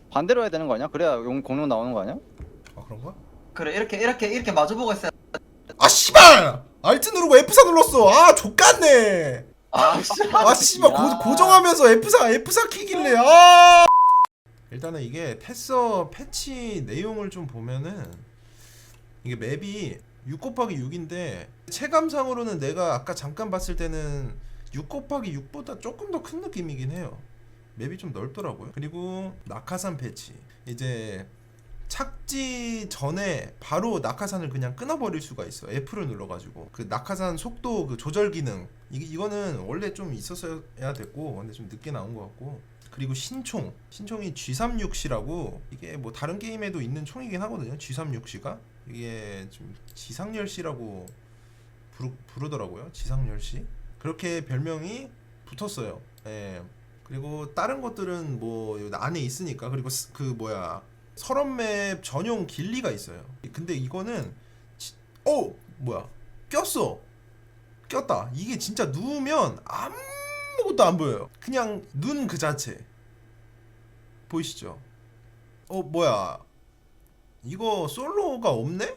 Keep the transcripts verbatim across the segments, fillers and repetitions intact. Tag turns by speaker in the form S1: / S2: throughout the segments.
S1: 반대로 해야 되는 거 아니야? 그래야 용 공룡 나오는 거 아니야?
S2: 아 그런가?
S3: 그래 이렇게 이렇게 이렇게 마주보고 있어야.
S2: 아 씨발! 알트 누르고 에프 사 눌렀어. 아 족같네.
S3: 아 씨.
S2: 아 씨발 고, 고정하면서 에프 사 에프 사 키길래 아. 일단은 이게 패서 패치 내용을 좀 보면은 이게 맵이 육 곱하기 육인데 체감상으로는 내가 아까 잠깐 봤을 때는 육 곱하기 육보다 조금 더 큰 느낌이긴 해요. 맵이 좀 넓더라고요. 그리고 낙하산 패치 이제 착지 전에 바로 낙하산을 그냥 끊어버릴 수가 있어. F를 눌러가지고 그 낙하산 속도 그 조절 기능 이, 이거는 원래 좀 있었어야 됐고 근데 좀 늦게 나온 것 같고. 그리고 신총 신총이 지 삼십육 씨라고 이게 뭐 다른 게임에도 있는 총이긴 하거든요. 지 삼십육 씨가 이게 좀 지상열씨라고 부르, 부르더라고요. 지상열씨 그렇게 별명이 붙었어요. 예. 그리고 다른 것들은 뭐 안에 있으니까. 그리고 스, 그 뭐야 서랍맵 전용 길리가 있어요. 근데 이거는 지, 어 뭐야 꼈어 꼈다. 이게 진짜 누우면 아무것도 안 보여요. 그냥 눈 그 자체 보이시죠? 어 뭐야 이거 솔로가 없네?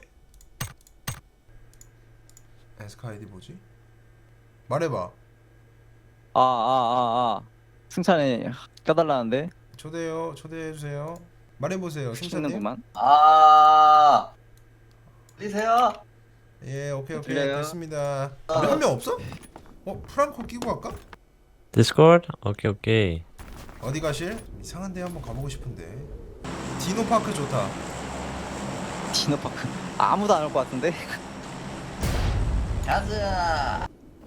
S2: 에스카 아이디 뭐지? 말해봐.
S1: 아 아 아 아 승찬이 껴달라는데
S2: 초대요 초대해주세요. 말해보세요 승찬님.
S1: 시키는구만.
S3: 아. 들리세요?
S2: 예 오케이 오케이
S1: 들려요?
S2: 됐습니다. 우리 한 명 없어? 어 프랑코 끼고 갈까?
S4: Discord? 오케이 오케이.
S2: 어디 가실? 이상한 데 한번 가보고 싶은데. 디노파크 좋다.
S1: 디노파크 아무도 안 올 것 같은데.
S3: 가자.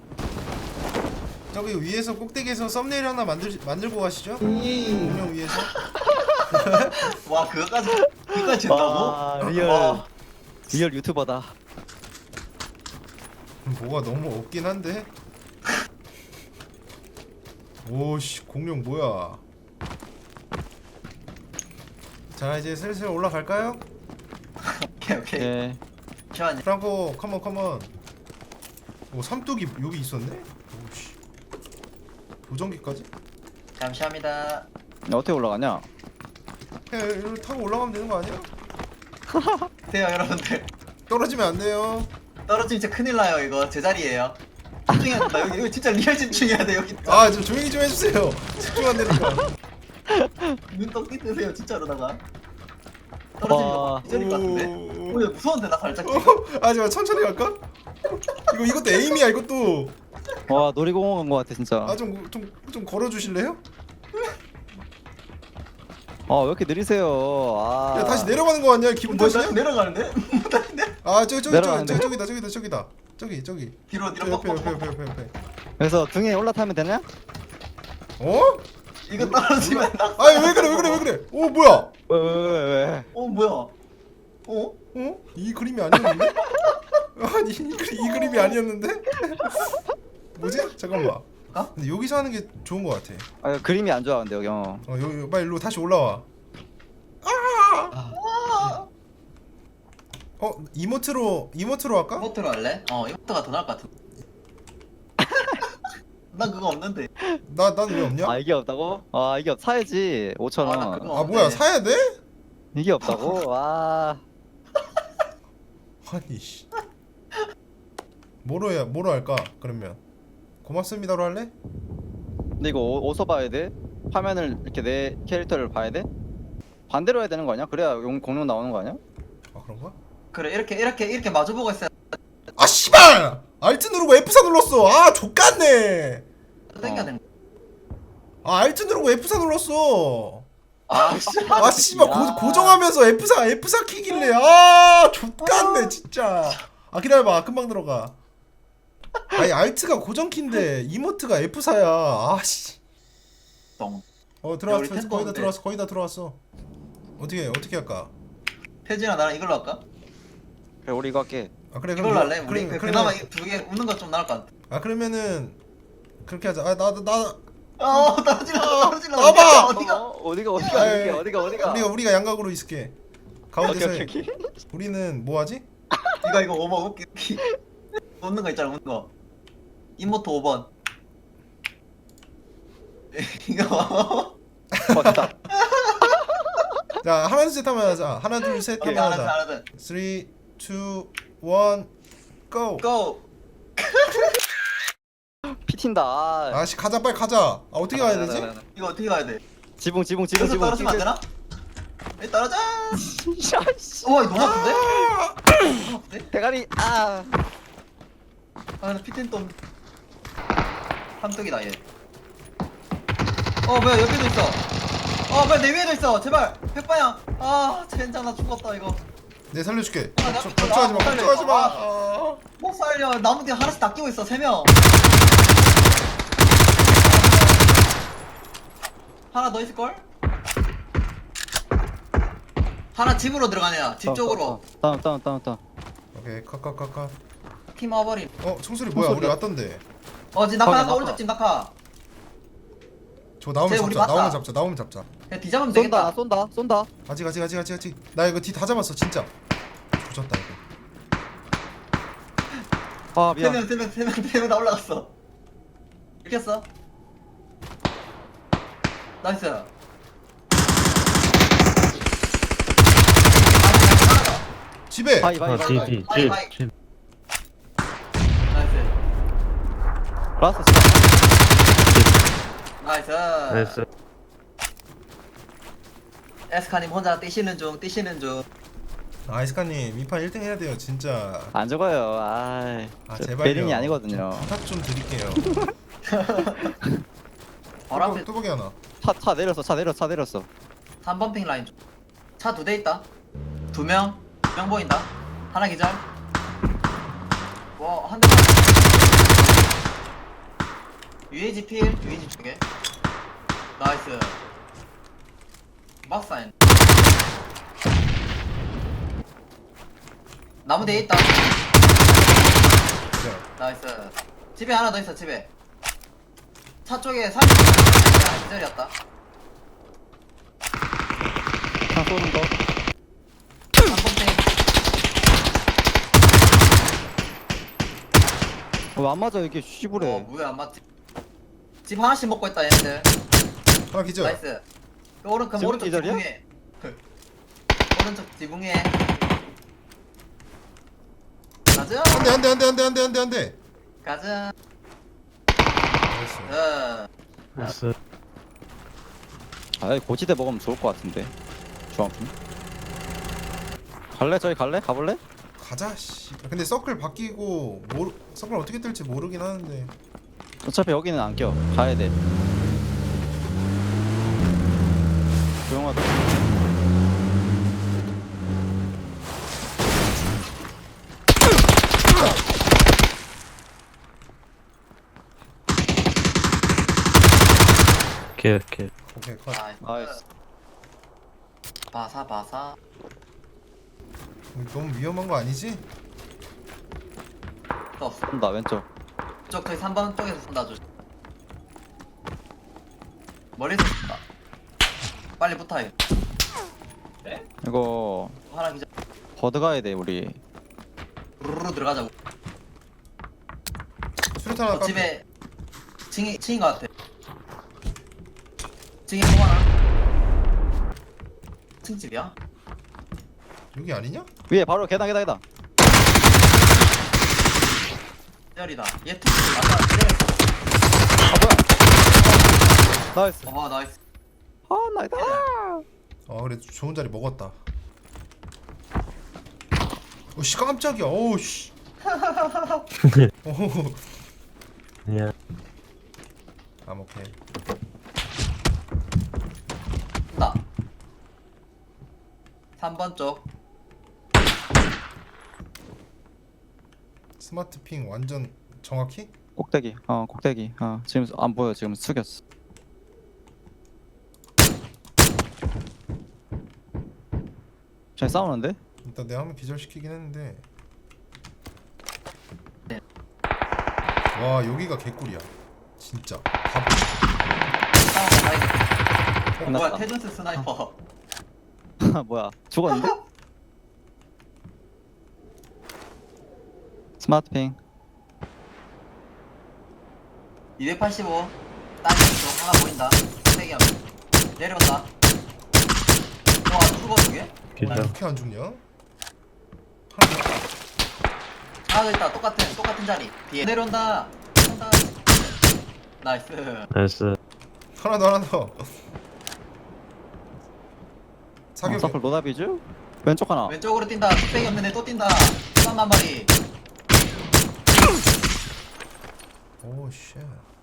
S2: 저기 위에서 꼭대기에서 썸네일 하나 만들 만들고 가시죠. 공룡 위에서.
S3: 와 그거까지 그거까지 했다고?
S1: 와 리얼
S3: 와.
S1: 리얼 유튜버다.
S2: 뭐가 너무 없긴 한데. 오씨 공룡 뭐야? 자 이제 슬슬 올라갈까요?
S3: 오케이 오케이.
S1: 예.
S3: 잠시만요.
S2: 프랑코 컴온 컴온. 오 삼뚝이 여기 있었네? 오씨 보정기까지?
S3: 감사합니다.
S1: 어떻게 올라가냐?
S2: 그냥 이렇게 타고 올라가면 되는 거 아니야?
S3: 돼요 여러분들.
S2: 떨어지면 안 돼요.
S3: 떨어지면 진짜 큰일 나요 이거 제 자리예요. 집중해야 된다 여기 여기 진짜 리얼 집중해야 돼 여기.
S2: 아 좀 조용히 좀 해주세요. 집중 안 되니까.
S3: 눈떡 뜨세요 진짜로다가. 떨어지면
S1: 와.
S3: 이 자리 같은데? 오, 야, 무서운데 나 살짝.
S2: 어, 아지마 천천히 갈까? 이거 이것도 에임이야 이것도.
S1: 와 놀이공원 간 것 같아 진짜.
S2: 아 좀 좀 좀 걸어 주실래요?
S1: 아 왜 이렇게 느리세요? 아.
S2: 야 다시 내려가는 거 아니야? 기분
S3: 뭐
S2: 탓이냐?
S3: 다시 내려가는데? 다시 내.
S2: 아 저기 저기 저기
S1: 내려가는데?
S2: 저기 저기다 저기다 저기다 저기 저기
S3: 뒤로
S2: 저
S3: 뒤로
S2: 옆에 옆에
S3: 뻑뻑뻑.
S2: 옆에 옆에 옆에.
S1: 그래서 등에 올라타면 되냐?
S2: 어?
S3: 이거 떨어지면 나.
S2: 아니 왜 그래 왜 그래 왜 그래? 오 뭐야?
S1: 왜 왜 왜 왜?
S3: 어 뭐야? 어?
S2: 어? 이 그림이 아니었는데? 아니 이, 그리, 이 그림이 아니었는데? 뭐지? 잠깐만.
S3: 어?
S2: 근데 여기서 하는 게 좋은 거 같아.
S1: 아 그림이 안 좋아 근데 여기. 어.
S2: 어 여기 빨리 일로 다시 올라와. 어 이모트로 이모트로 할까?
S3: 이모트로 할래? 어 이모트가 더 나을 것 같은. 난 그거 없는데.
S2: 나 난 왜 없냐?
S1: 아 이게 없다고? 아 이게 없 사야지 오천
S3: 아, 나
S1: 원.
S3: 그거-
S2: 아 뭐야 사야 돼?
S1: 이게 없다고? 와.
S2: 아니 씨. 뭐로 해 뭐로 할까? 그러면 고맙습니다로 할래?
S1: 근데 이거 어, 어디서 봐야 돼? 화면을 이렇게 내 캐릭터를 봐야 돼? 반대로 해야 되는 거 아니야? 그래야 용 공룡 나오는 거 아니야?
S2: 아 그런가?
S3: 그래 이렇게 이렇게 이렇게 마주보고 있어야
S2: 아 씨발! 알트 누르고 에프 사 눌렀어. 아 족같네.
S3: 땡겨야
S1: 어.
S3: 되는.
S2: 아 알트 누르고 에프 사 눌렀어.
S3: 아 씨.
S2: 아 씨발
S1: 야.
S2: 고, 고정하면서 에프 사 에프 사 키길래 아 족같네 진짜. 아 기다려봐 금방 들어가. 아니 알트가 고정 키인데 이모트가 에프 사야. 아씨.
S3: 똥.
S2: 어
S3: 야, 우리
S2: 들어왔어
S3: 템포
S2: 거의 다
S3: 없네.
S2: 들어왔어 거의 다 들어왔어. 어떻게 어떻게 할까?
S3: 태진아 나랑 이걸로 할까?
S1: 그래 우리 이거 할게.
S2: 아 그래
S3: 이걸로
S2: 그럼
S3: 할래? 우리
S2: 그래,
S3: 그,
S2: 그래,
S3: 그나마 두 개 웃는 거 좀 나을 것 같아.
S2: 아 그러면은 그렇게 하자. 아 나도 나
S3: 어 떨어질라 떨어질라.
S2: 나와봐!
S3: 어디가?
S1: 어, 어디가 어디가
S2: 아이,
S1: 어디가 어디가 어디가?
S2: 우리가 우리가 양각으로 있을게. 가운데서
S1: 오케이
S2: 해.
S1: 오케이 오케이.
S2: 우리는 뭐 하지?
S3: 이거 이거 오 번 웃기 웃기. 웃는 거 있잖아 웃는 거. 이모트 오 번. 이거
S1: 어, 됐다.
S2: 자 하나 둘 셋 하면 하자. 하나 둘 셋
S3: 오케이,
S2: 하면
S3: 하나 둘
S2: 하자.
S3: 하나 둘
S2: 삼, 이, 일, 고!
S3: 고!
S1: 피튄다. 아,
S2: 아씨 가자 빨리 가자. 아 어떻게 가야 되지?
S3: 이거 어떻게 가야 돼?
S1: 지붕 지붕 지붕
S3: 여기서
S1: 지붕.
S3: 떨어지면 안 되나? 에 떨어져!
S1: 씨.
S3: 우와 이거 너무 아픈데? 너무 아픈데?
S1: 대가리. 아.
S3: 아 근데 피튼 또 삼뚝이다 얘. 어 뭐야 옆에도 있어. 어 뭐야 내 위에도 있어. 제발 백방향. 아 젠장 나 죽었다 이거.
S2: 내 살려줄게.
S3: 아, 나-
S2: 걱- 걱정하지 마.
S3: 아,
S2: 걱정하지 마.
S3: 아.
S2: 아.
S3: 못 살려. 나무 뒤에 하나씩 다 끼고 있어 세 명. 하나 더 있을 걸? 하나 집으로 들어가네요. 집 쪽으로.
S1: 다운 다운 다운 다운.
S2: 오케이 컷컷컷컷.
S3: 팀 와버림.
S2: 어 총소리 뭐야?
S1: 총소리야.
S2: 우리 왔던데.
S3: 어 지금 낙하
S1: 거기
S3: 낙하
S1: 낙하.
S3: 오른쪽 집 낙하.
S2: 저 나오면
S3: 쟤 우리
S2: 잡자.
S3: 맞다.
S2: 나오면 잡자. 나오면 잡자.
S3: 그냥 뒤잡으면
S1: 쏜다
S3: 되겠다.
S1: 쏜다 쏜다.
S2: 아직 아직 아직 아직 아직. 나 이거 뒤 다 잡았어 진짜. 조졌다 이거.
S1: 아 미안.
S3: 세명세명세명세명 다 올라갔어. 이겼어. 나이스.
S2: 집에.
S1: 바이 바이
S4: 아,
S1: 바이.
S4: 뒤,
S1: 바이.
S4: 뒤,
S3: 바이,
S4: 집,
S3: 바이.
S4: 집.
S3: 나이스.
S1: 라스트 진짜.
S3: 나이스.
S4: 나이스.
S3: 에스카님 혼자 뛰시는 중 뛰시는 중.
S2: 아이스카님 이판 일 등 해야 돼요 진짜.
S1: 안 죽어요. 아.
S2: 아
S1: 저
S2: 제발요.
S1: 베린이 아니거든요.
S2: 부탁 좀 드릴게요.
S3: 바로 앞에
S2: 뚜벅이 하나.
S1: 차 차 내렸어 차 내렸어 차 내렸어.
S3: 삼 번 핑 라인 쪽. 차 두 대 있다. 두 명. 두 명 보인다. 하나 기절. 와, 한 대. 유에이지 필, 유에이지 쪽에. 나이스. 막사인. 나무 뒤에 있다.
S2: 기절.
S3: 나이스. 집에 하나 더 있어, 집에. 차 쪽에 삼 기절이었다.
S1: 차 쏘는 거.
S3: 한 번째.
S1: 어, 안 맞아 이게 씨부래.
S3: 어, 뭐야, 안 맞지? 집 하나씩 먹고 있다, 얘네들.
S2: 하나 기절.
S3: 나이스. 그 오른, 그럼
S1: 지붕
S3: 오른쪽
S1: 기절이야?
S3: 지붕에. 오른쪽 지붕에. 가자.
S2: 안돼 안돼 안돼 안돼 안돼 안돼 안돼.
S3: 가자.
S2: 나이스.
S3: 어.
S4: 나이스.
S1: 아 고지대 먹으면 좋을 것 같은데. 중앙품. 갈래 저기 갈래 가볼래?
S2: 가자 씨. 근데 서클 바뀌고 모르 서클 어떻게 뜰지 모르긴 하는데.
S1: 어차피 여기는 안 껴. 가야 돼. 조용하다.
S4: 오케이, 오케이.
S2: 오케이 컷.
S3: 나이스.
S1: 나이스.
S3: 바사 바사.
S2: 너무 위험한 거 아니지?
S3: 또 없어.
S1: 쏜다 왼쪽.
S3: 쪽 저기 삼 번 쪽에서 쏜다 조. 머리에서 쏜다. 빨리 붙어 이.
S1: 이거
S3: 하나 기절.
S1: 버드 가야 돼 우리.
S3: 루루루 들어가자고.
S2: 수류탄 하나
S3: 저
S2: 깎.
S3: 집에 층이 층인 것 같아. 층이 뭐 하나? 층집이야?
S2: 여기 아니냐?
S1: 위에 바로 계단 계단 계단.
S3: 열이다. 얘 층. 맞아. 그래.
S1: 아 뭐야? 나이스.
S3: 와 나이스.
S1: 아 나이스.
S2: 아 그래 좋은 자리 먹었다. 오씨 깜짝이야. 오우씨. 오.
S4: 야,
S2: 아 오케이.
S3: 나. 삼 번 쪽.
S2: 스마트 핑 완전 정확히?
S1: 꼭대기. 어 꼭대기. 어 지금 안 보여 지금 숙였어. 잘 싸우는데?
S2: 일단 내가 한번 기절시키긴 했는데.
S3: 네.
S2: 와 여기가 개꿀이야. 진짜. 바보.
S3: 싸우면 다행이다. 어, 뭐야
S1: 끝났다.
S3: 테전스 스나이퍼.
S1: 뭐야 죽었는데? 스마트핑.
S3: 이백팔십오. 땅쪽 하나 보인다. 세개 하면 내려온다. 와 저게?
S2: 아,
S4: 기절.
S2: 이렇게 안 죽냐? 하나 더.
S3: 하나 더 있다. 똑같은 똑같은 자리. 뒤에 내려온다. 내려온다. 나이스.
S4: 나이스.
S2: 하나 더 하나 더.
S1: 어,
S2: 사격.
S1: 서클 노다비즈? 왼쪽 하나.
S3: 왼쪽으로 뛴다. 뚝배기 없는 애 또 뛴다. 쌈한 마리.
S2: 오 쉣.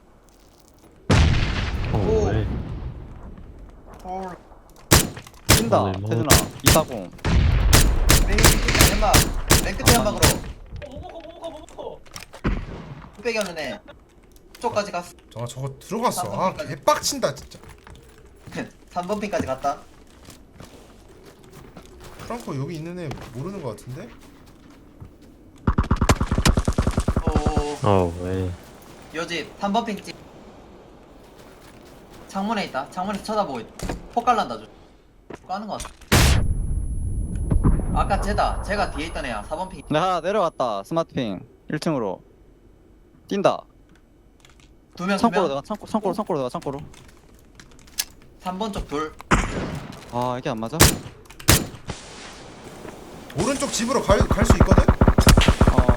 S4: 오,
S3: 오.
S4: 왜?
S3: 홀.
S1: 뛴다.
S4: 오늘 뭐-
S1: 태준아. 이사공.
S3: 맨 끝에 연막. 맨 끝에
S1: 아,
S3: 연막으로. 뚝배기 없는 애. 쪽까지 갔어.
S2: 아 저거 들어갔어. 아 개빡친다 진짜.
S3: 삼 번 핀까지 갔다.
S2: 프랑코 여기 있는 애 모르는 거 같은데?
S3: 오.
S4: 어, 왜?
S3: 요집 삼 번 핑집. 창문에 있다. 창문에서 쳐다보고 있다. 폭 갈란다 줘. 까는 거 같아. 아까 쟤다. 쟤가 뒤에 있던 애야. 사 번 핑.
S1: 근데 하나 내려갔다. 스마트핑. 일 층으로. 뛴다.
S3: 두 명, 두
S1: 창고로
S3: 명.
S1: 내가 창고 창고로 창고로 내가 창고로.
S3: 삼 번 쪽 둘.
S1: 아 이게 안 맞아?
S2: 오른쪽 집으로 갈 갈 수 있거든?
S1: 어.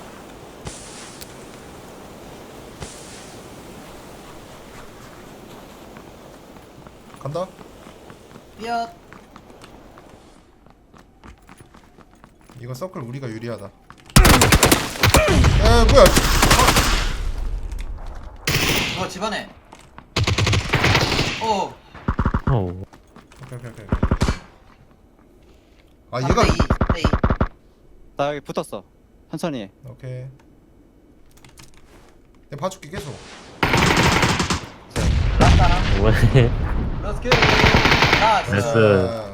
S2: 간다.
S3: 삐엇.
S2: 이거 서클 우리가 유리하다. 에 뭐야?
S3: 어 집안에. 오.
S4: 어,
S2: 오케이 오케이 오케이. 아
S3: 삼
S2: 얘가
S3: 대 이. 삼 대 이.
S1: 나 여기 붙었어. 천천히 해.
S2: 오케이. 내가 봐줄게 계속.
S3: 라스타랑.
S4: 왜?
S3: 렛츠고. 나이스.
S4: 나이스.